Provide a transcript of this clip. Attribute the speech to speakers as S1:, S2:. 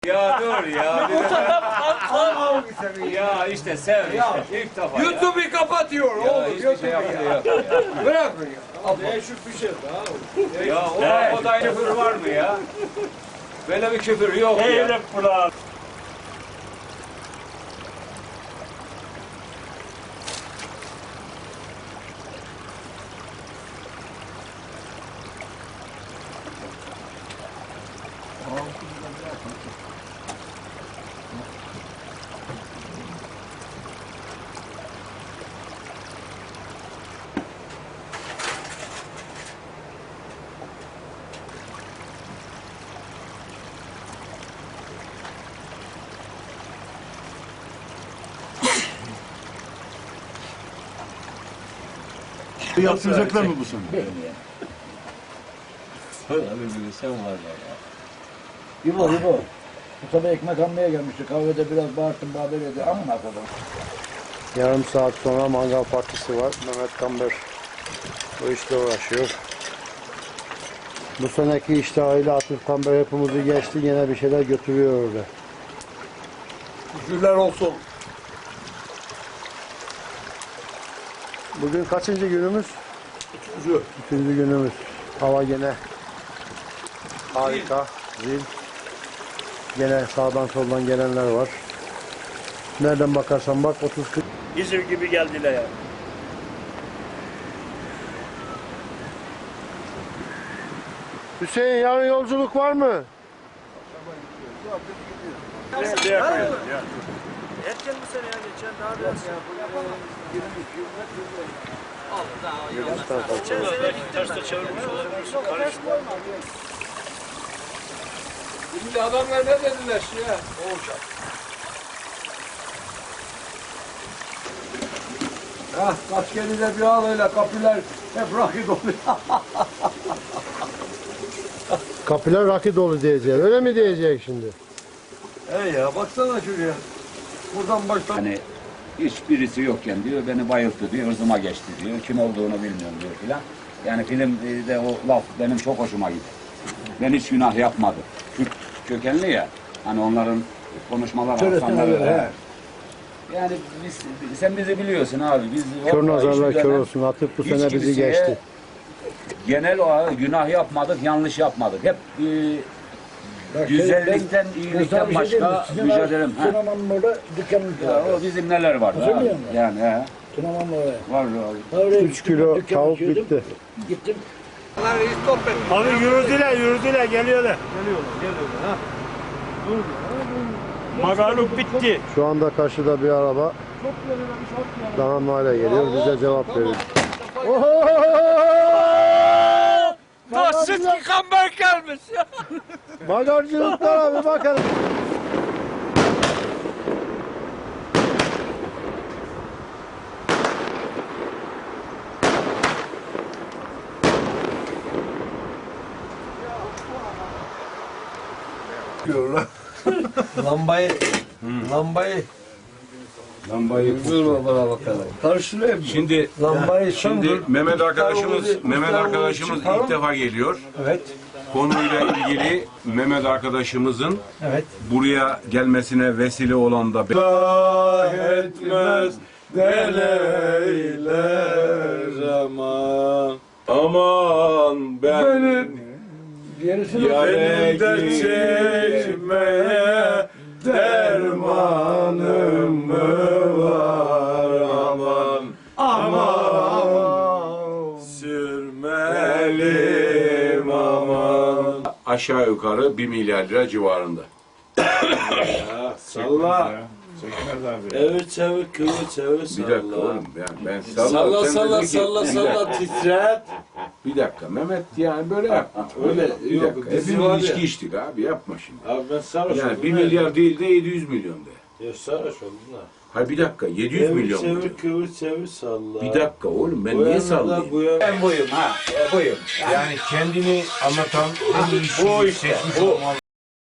S1: Ya dur ya. Ya işte sev işte. İlk defa.
S2: YouTube'u kapatıyor
S1: Ya
S2: oğlum.
S1: hiçbir şey yapmıyor ya.
S2: Bırakın ya.
S3: Değişik bir şey daha.
S1: Ya o da küfür var mı ya? Böyle bir küfür yok ya.
S4: Eylem bulan.
S5: Yaptıracaklar mı bu sene?
S1: Sen var ya.
S3: İbo. Bu sabah ekmek almaya gelmişti. Kahvede biraz bağırttım, haber edildi. Amma kadar.
S6: Yarım saat sonra mangal partisi var. Mehmet Kamber bu işle uğraşıyor. Bu seneki iştahıyla Atif Kamber hepimizi geçti. Yine bir şeyler götürüyor orada.
S2: Şükürler olsun.
S6: Bugün kaçıncı günümüz? Üçüncü günümüz. Hava gene harika. Zil. Gene sağdan soldan gelenler var. Nereden bakarsan bak 30-40.
S4: İzir gibi geldiler ya.
S6: Hüseyin yarın yolculuk var mı?
S4: Erken bu sene ya geçen daha biraz. Geçen sene terste çevirmiş olabilirsin. Karışma.
S2: Şimdi adamlar ne dediler ya? Olacak. Hah, kaskeliyle bir ağlayla kapılar hep rakı doluyor.
S6: Kapılar rakı dolu diyecek. Öyle mi diyecek şimdi?
S2: Ya baksana şuraya. Buradan baştan.
S1: Hani hiçbirisi yokken diyor beni bayılttı diyor, hırzıma geçti diyor. Kim olduğunu bilmiyorum diyor filan. Yani filmde o laf benim çok hoşuma gitti. Ben hiç günah yapmadım. Kürt kökenli ya. Hani onların konuşmalar aksanları. Yani sen bizi biliyorsun abi. Biz
S6: Kör nazarlar
S1: hiçbir
S6: kör
S1: dönem
S6: olsun. Atıp bu
S1: hiç
S6: sene bizi
S1: kimseye
S6: geçti.
S1: Genel olarak günah yapmadık, yanlış yapmadık. Hep güzellikten, iyilikten başka mücadelem.
S3: Tunaman'ın orada dükkanımız
S1: Ya,
S3: var.
S1: o bizim neler var.
S3: Hatırlıyor musun?
S1: Yani he.
S3: Tunaman'ın oraya.
S1: Var abi.
S3: Oraya
S6: 3 kilo
S3: dükkan
S6: tavuk
S3: açıyordum.
S6: bitti.
S3: Gittim.
S4: Abi yürüdüler geliyorlar. Magaluk bitti.
S6: Şu anda karşıda bir araba daha hale geliyor. Bize cevap veriyor.
S4: Nasıl ki kamber gelmiş ya.
S6: Bagajcılıklara bir bakalım.
S2: Lambayı vurma bana bakalım. Karşılayayım mı?
S5: Şimdi Mehmet arkadaşımız ilk defa geliyor.
S2: Evet.
S5: Konuyla ilgili Mehmet arkadaşımızın buraya gelmesine vesile olan da
S2: Etmez deleyler aman ben yanımda çekmeye dermanım mı var aman sürmelim aman.
S5: aşağı yukarı 1 milyar lira civarında.
S2: Salla. Evet çevir kıvır çevir
S5: Bir dakika oğlum ben
S2: Salla
S5: sen
S2: salla
S5: dedin ki-
S2: salla salla titret.
S5: Bir dakika Mehmet yani böyle yapma.
S2: Öyle,
S5: Bir
S2: yok,
S5: dakika.
S2: bizim
S5: Hepimiz
S2: var ya.
S5: içki içtik abi yapma şimdi.
S2: Abi ben sarhoş oldum.
S5: Yani 1 milyar değil de 700 milyon de.
S2: Ya sarhoş oldum da.
S5: Hayır bir dakika 700 milyon mu?
S2: Çevir kıvır çevir salla.
S5: Bir dakika oğlum ben
S2: Bu
S5: niye
S2: yana da
S5: sallayayım?
S2: bu yana.
S1: Ben buyum ha. Buyum.
S5: Yani kendini anlatan en iyi
S2: Bu işte. Bu.